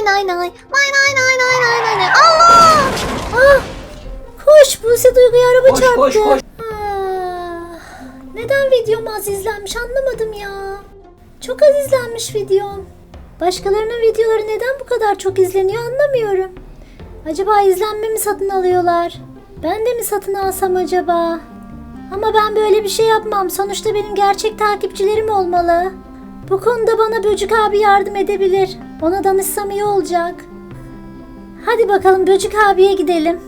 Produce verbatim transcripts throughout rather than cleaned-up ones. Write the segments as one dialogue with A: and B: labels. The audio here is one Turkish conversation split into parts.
A: nay nay. Nay nay nay nay nay nay nay. Allah! Ah! Koş, Buse Duygu'ya araba
B: Koş,
A: çarptı.
B: koş, koş.
A: Ah, neden videom az izlenmiş anlamadım ya. Çok az izlenmiş videom. Başkalarının videoları neden bu kadar çok izleniyor anlamıyorum. Acaba izlenme mi satın alıyorlar? Ben de mi satın alsam acaba? Ama ben böyle bir şey yapmam. Sonuçta benim gerçek takipçilerim olmalı. Bu konuda bana Böcük abi yardım edebilir. Ona danışsam iyi olacak. Hadi bakalım Böcük abiye gidelim.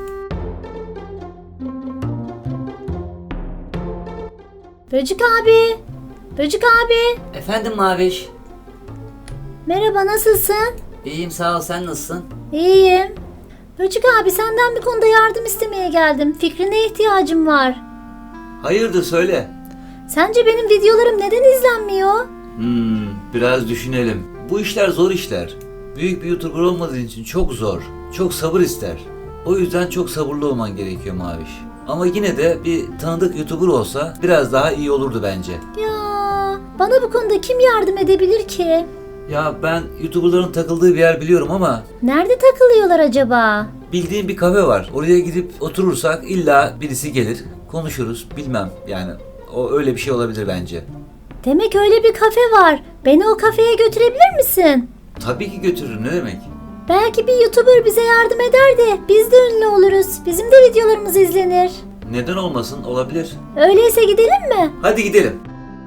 A: Böcük abi. Böcük abi.
B: Efendim Maviş.
A: Merhaba, nasılsın?
B: İyiyim sağ ol, sen nasılsın?
A: İyiyim. Böcük abi, senden bir konuda yardım istemeye geldim. Fikrine ihtiyacım var.
B: Hayırdır söyle.
A: Sence benim videolarım neden izlenmiyor?
B: Hmm, biraz düşünelim. Bu işler zor işler. Büyük bir YouTuber olmadığın için çok zor. Çok sabır ister. O yüzden çok sabırlı olman gerekiyor Maviş. Ama yine de bir tanıdık YouTuber olsa biraz daha iyi olurdu bence.
A: Ya bana bu konuda kim yardım edebilir ki?
B: Ya ben YouTuber'ların takıldığı bir yer biliyorum ama
A: Nerede takılıyorlar acaba?
B: bildiğim bir kafe var. Oraya gidip oturursak illa birisi gelir. Konuşuruz bilmem yani. O öyle bir şey olabilir bence.
A: Demek öyle bir kafe var. Beni o kafeye götürebilir misin?
B: Tabii ki götürürüm, ne demek?
A: Belki bir YouTuber bize yardım eder de biz de ünlü oluruz. Bizim de videolarımız izlenir.
B: Neden olmasın, olabilir.
A: Öyleyse gidelim mi?
B: Hadi gidelim.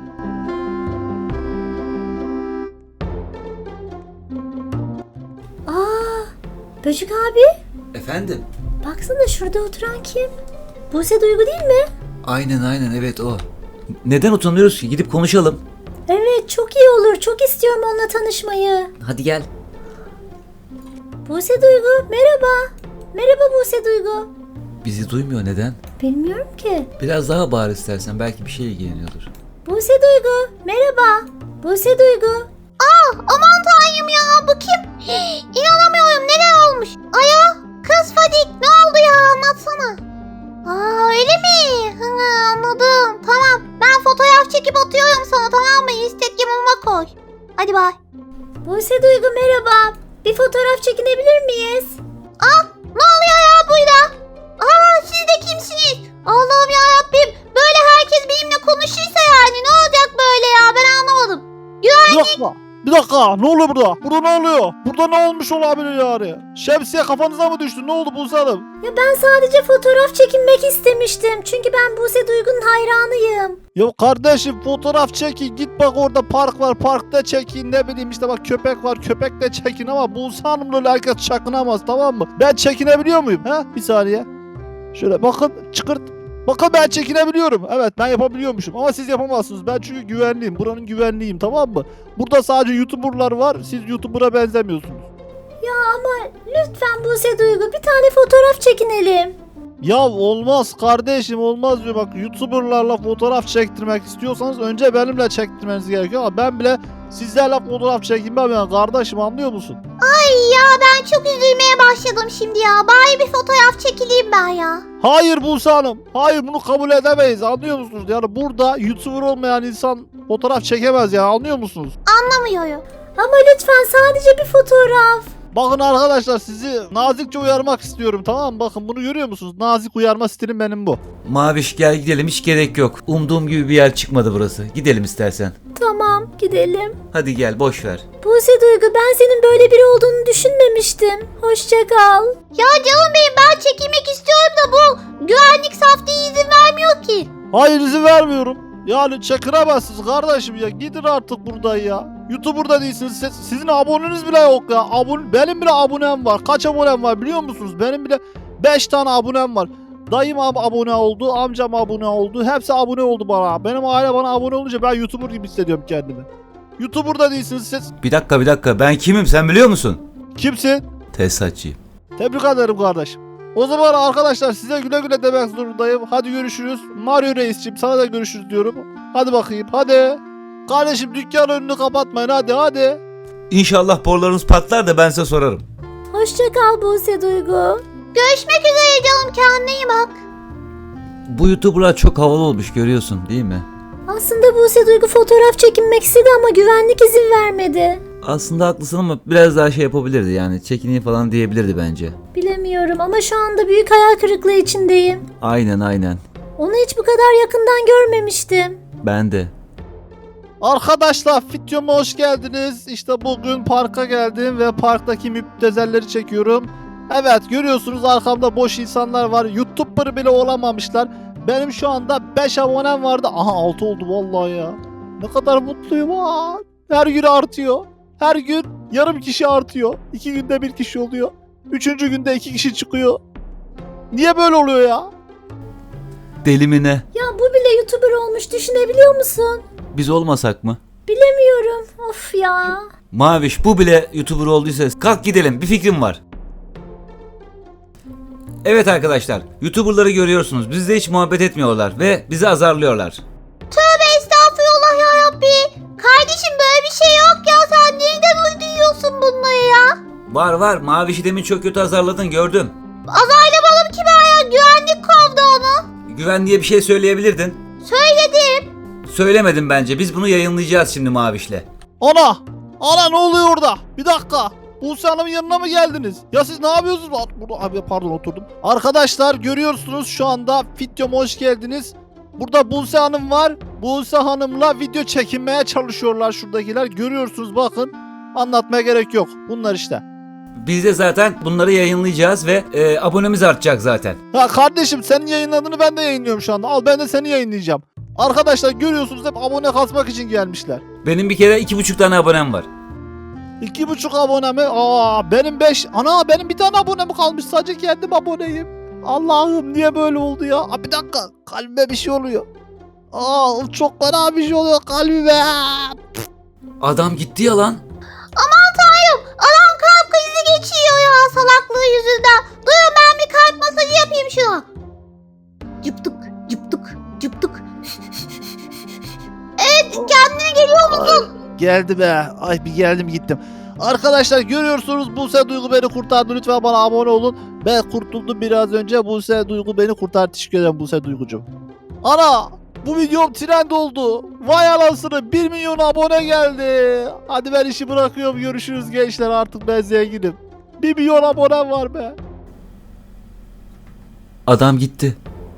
A: Aa, Böcük abi.
B: Efendim?
A: Baksana, şurada oturan kim? Buse Duygu değil mi?
B: Aynen aynen evet o. Neden utanıyoruz ki? Gidip konuşalım.
A: Evet, çok iyi olur. Çok istiyorum onunla tanışmayı.
B: Hadi gel.
A: Buse Duygu, merhaba. Merhaba Buse Duygu.
B: Bizi duymuyor, neden?
A: Bilmiyorum ki.
B: Biraz daha bağır istersen, belki bir şey ilgileniyordur.
A: Buse Duygu, merhaba. Buse Duygu. Aa, aman tanrım ya, bu kim? Hii, İnanamıyorum, neler olmuş? Aya, kız Fadik, ne oldu ya, anlatsana. Aa, öyle mi? Hı, anladım. Tamam, ben fotoğraf çekip atıyorum sana, tamam mı? Instagram'ıma koy. Hadi bay. Buse Duygu, merhaba. Bir fotoğraf çekinebilir miyiz? Aa, ne oluyor ya burada? Aa, siz de kimsiniz? Allah'ım yarabbim, böyle herkes benimle konuşursa yani ne olacak böyle ya, ben anlamadım.
C: Bir dakika. Bir dakika. Ne oluyor burada? Burada ne oluyor? Burada ne olmuş olabilir yani? Şemsiye kafanıza mı düştü? Ne oldu Buse Hanım?
A: Ya ben sadece fotoğraf çekinmek istemiştim. Çünkü ben Buse Duygu'nun hayranıyım.
C: Ya kardeşim fotoğraf çekin. Git bak orada park var. Parkta çekin. Ne bileyim işte bak köpek var. Köpekte çekin ama Buse Hanım'la öyle herkes çakınamaz, tamam mı? Ben çekinebiliyor muyum? He? Bir saniye. Şöyle bakın çıkırt. Bakın ben çekinebiliyorum. Evet, ben yapabiliyormuşum ama siz yapamazsınız. Ben çünkü güvenliyim. Buranın güvenliyim, tamam mı? Burada sadece YouTuber'lar var. Siz YouTuber'a benzemiyorsunuz.
A: Ya ama lütfen Buse Duygu, bir tane fotoğraf çekinelim.
C: Ya olmaz kardeşim, olmaz diyor. Bak YouTuber'larla fotoğraf çektirmek istiyorsanız önce benimle çektirmeniz gerekiyor ama ben bile sizlerle fotoğraf çekinmem yani kardeşim, anlıyor musun?
A: Ay ya, ben çok üzülmeye başladım şimdi ya. Bari bir fotoğraf çekileyim ben ya.
C: Hayır Buse Hanım. Hayır, bunu kabul edemeyiz, anlıyor musunuz? Yani burada YouTuber olmayan insan fotoğraf çekemez ya, anlıyor musunuz?
A: Anlamıyorum. Ama lütfen sadece bir fotoğraf.
C: Bakın arkadaşlar, sizi nazikçe uyarmak istiyorum, tamam mı? Bakın bunu görüyor musunuz? Nazik uyarma stilim benim bu.
B: Maviş gel gidelim, hiç gerek yok. Umduğum gibi bir yer çıkmadı burası. Gidelim istersen.
A: Tamam, gidelim.
B: Hadi gel, boş ver.
A: Buse Duygu, ben senin böyle biri olduğunu düşünmemiştim. Hoşça kal. Ya canım benim, ben çekilmek istiyorum da bu güvenlik saftiği izin vermiyor ki.
C: Hayır, izin vermiyorum. Yani çekinemezsiniz kardeşim ya. Gidin artık buradan ya. YouTuber'da değilsiniz. Siz- sizin aboneniz bile yok ya. Abone, benim bile abonem var. Kaç abonem var biliyor musunuz? Benim bile beş tane abonem var. Dayım ab- abone oldu. Amcam abone oldu. Hepsi abone oldu bana. Benim aile bana abone olunca ben YouTuber gibi hissediyorum kendimi. YouTuber'da değilsiniz siz.
B: Bir dakika bir dakika, ben kimim sen biliyor musun?
C: Kimsin?
B: Tesisatçıyım.
C: Tebrik ederim kardeşim. O zaman arkadaşlar size güle güle demek zorundayım. Hadi görüşürüz. Mario Reis'ciğim, sana da görüşürüz diyorum. Hadi bakayım, hadi. Kardeşim dükkan önünü kapatmayın, hadi hadi.
B: İnşallah borularınız patlar da ben size sorarım.
A: Hoşça kal Buse Duygu. Görüşmek üzere canım, kendine iyi bak.
B: Bu YouTuber'lar çok havalı olmuş, görüyorsun değil mi?
A: Aslında Buse Duygu fotoğraf çekinmek istedi ama güvenlik izin vermedi.
B: Aslında haklısın ama biraz daha şey yapabilirdi yani. Çekineyim falan diyebilirdi bence.
A: Bilemiyorum ama şu anda büyük hayal kırıklığı içindeyim.
B: Aynen aynen.
A: Onu hiç bu kadar yakından görmemiştim.
B: Ben de.
C: Arkadaşlar videoma hoş geldiniz. İşte bugün parka geldim ve parktaki müptezelleri çekiyorum. Evet, görüyorsunuz arkamda boş insanlar var. YouTuber bile olamamışlar. Benim şu anda beş abonem vardı. Aha altı oldu vallahi ya. Ne kadar mutluyum ha. Her gün artıyor. Her gün yarım kişi artıyor. İki günde bir kişi oluyor. Üçüncü günde iki kişi çıkıyor. Niye böyle oluyor ya?
B: Deli mi ne?
A: Ya bu bile YouTuber olmuş, düşünebiliyor musun?
B: Biz olmasak mı?
A: Bilemiyorum. Of ya.
B: Maviş bu bile YouTuber olduysa kalk gidelim, bir fikrim var. Evet arkadaşlar, YouTuber'ları görüyorsunuz. Bizle hiç muhabbet etmiyorlar ve bizi azarlıyorlar.
A: Tövbe estağfurullah ya Rabbi. Kardeşim böyle bir şey yok ya. Sen nereden uyduruyorsun bunları ya?
B: Var var, Maviş'i demin çok kötü azarladın, gördüm.
A: Azaylamadım ki ben ya. Güvenlik kovdu onu.
B: Güvenliğe bir şey söyleyebilirdin.
A: Söyledim.
B: Söylemedim bence, biz bunu yayınlayacağız şimdi Maviş'le.
C: Ana! Ana ne oluyor orada? Bir dakika. Buse Hanım'ın yanına mı geldiniz? Ya siz ne yapıyorsunuz? Burada, abi pardon oturdum. Arkadaşlar görüyorsunuz şu anda videoma hoş geldiniz. Burada Buse Hanım var. Buse Hanım'la video çekinmeye çalışıyorlar şuradakiler. Görüyorsunuz bakın. Anlatmaya gerek yok. Bunlar işte.
B: Biz de zaten bunları yayınlayacağız ve e, abonemiz artacak zaten.
C: Ha kardeşim senin yayınladığını ben de yayınlıyorum şu anda. Al ben de seni yayınlayacağım. Arkadaşlar görüyorsunuz hep abone kasmak için gelmişler.
B: Benim bir kere iki buçuk tane abonem var.
C: İki buçuk abone mi? Aa benim beş. Ana benim bir tane abonem kalmış. Sadece kendim aboneyim. Allah'ım niye böyle oldu ya? Aa, bir dakika. Kalbime bir şey oluyor. Aa çok fena bir şey oluyor kalbime.
B: Adam gitti ya lan.
A: Aman tanrım. Adam kalp krizi geçiyor ya salaklığı yüzünden. Durun ben bir kalp masajı yapayım şuna. Cıptık cıptık cıptık. Evet kendine geliyor musun?
C: Geldi be. Ay bir geldim gittim. Arkadaşlar görüyorsunuz Buse Duygu beni kurtardı. Lütfen bana abone olun. Ben kurtuldum biraz önce. Buse Duygu beni kurtardı. Teşekkür ederim Buse Duygucuğum. Ana! Bu videom trend oldu. Vay anasını bir milyon abone geldi. Hadi ben işi bırakıyorum. Görüşürüz gençler. Artık ben zenginim. bir milyon abonem var be.
B: Adam gitti.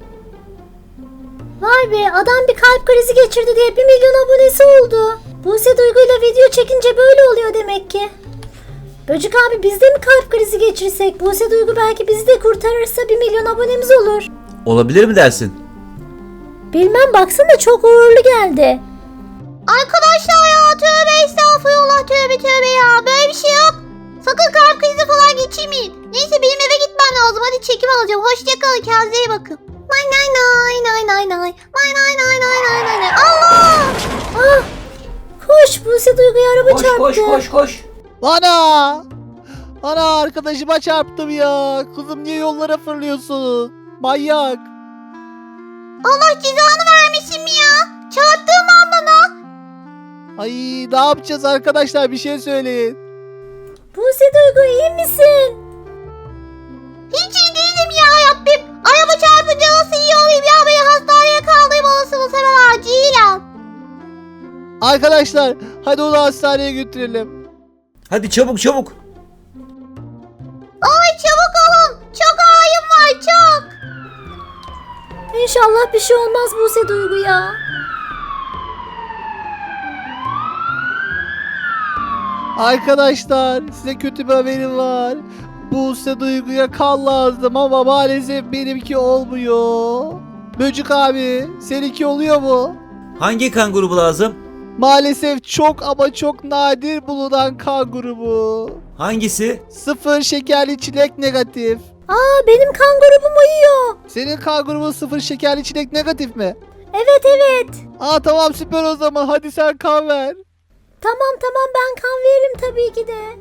A: Vay be adam bir kalp krizi geçirdi diye bir milyon abonesi oldu. Buse Duygu'yla video çekince böyle oluyor demek ki. Böcük abi biz de mi kalp krizi geçirsek? Buse Duygu belki bizi de kurtarırsa bir milyon abonemiz olur.
B: Olabilir mi dersin?
A: Bilmem baksana çok uğurlu geldi. Arkadaşlar ya tövbe estağfurullah tövbe tövbe ya böyle bir şey yok. Sakın kalp krizi falan geçirmeyin. Neyse benim eve gitmem lazım hadi çekim alacağım. Hoşçakalın kendinize iyi bakın. Nay nay nay nay nay nay nay nay nay nay nay nay. Allah! Ah! Koş Buse Duygu'ya araba
B: Koş
A: çarptı.
B: koş koş koş.
C: Ana! Ana arkadaşıma çarptım ya. Kızım niye yollara fırlıyorsun? Manyak.
A: Allah cezanı vermesin mi ya? Çarptığım an bana.
C: Ay ne yapacağız arkadaşlar bir şey söyleyin.
A: Buse Duygu iyi misin? Hiç iyi değilim ya Rabbim. Araba çarpınca nasıl iyi olayım ya? Beni hastaneye kaldırayım olasınız hemen acilen.
C: Arkadaşlar hadi onu hastaneye götürelim.
B: Hadi çabuk çabuk.
A: Ay çabuk olun. Çok ağrım var çok. İnşallah bir şey olmaz Buse Duygu ya.
C: Arkadaşlar size kötü bir haberim var. Buse Duygu'ya kan lazım ama maalesef benimki olmuyor. Böcük abi seninki oluyor mu?
B: Hangi kan grubu lazım?
C: Maalesef çok ama çok nadir bulunan kan grubu.
B: Hangisi?
C: Sıfır şekerli çilek negatif.
A: Aa benim kan grubum uyuyor.
C: Senin kan grubun sıfır şekerli çilek negatif mi?
A: Evet evet.
C: Aa tamam süper o zaman hadi sen kan ver.
A: Tamam tamam ben kan veririm tabii ki de.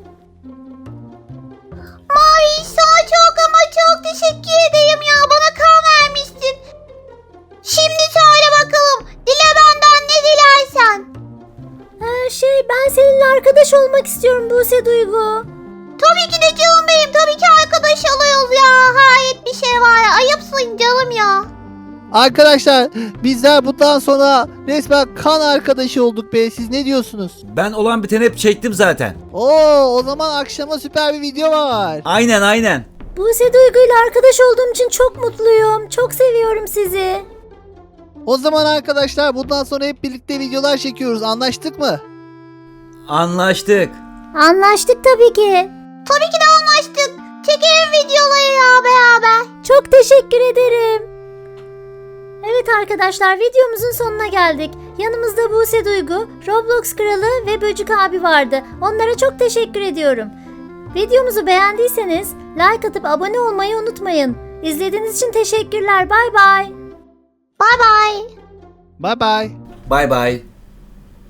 A: Mavi sana çok ama çok teşekkür ederim ya bana kan vermiştin. Şimdi söyle bakalım dile benden ne dilersen. Ee, şey ben seninle arkadaş olmak istiyorum Buse Duygu. Tabii ki de canım benim tabii ki arkadaş oluyoruz ya. Hayret bir şey var ya ayıpsın canım ya.
C: Arkadaşlar bizler bundan sonra resmen kan arkadaşı olduk be. Siz ne diyorsunuz?
B: Ben olan biteni hep çektim zaten.
C: Oo, o zaman akşama süper bir video var.
B: Aynen aynen.
A: Buse Duygu ile arkadaş olduğum için çok mutluyum. Çok seviyorum sizi.
C: O zaman arkadaşlar bundan sonra hep birlikte videolar çekiyoruz. Anlaştık mı?
B: Anlaştık.
A: Anlaştık tabii ki. Tabii ki de anlaştık. Çekelim videoları ya beraber. Çok teşekkür ederim. Evet arkadaşlar, videomuzun sonuna geldik. Yanımızda Buse Duygu, Roblox Kralı ve Böcük abi vardı. Onlara çok teşekkür ediyorum. Videomuzu beğendiyseniz like atıp abone olmayı unutmayın. İzlediğiniz için teşekkürler. Bay bay. Bay bay.
C: Bye bye.
B: Bay bay.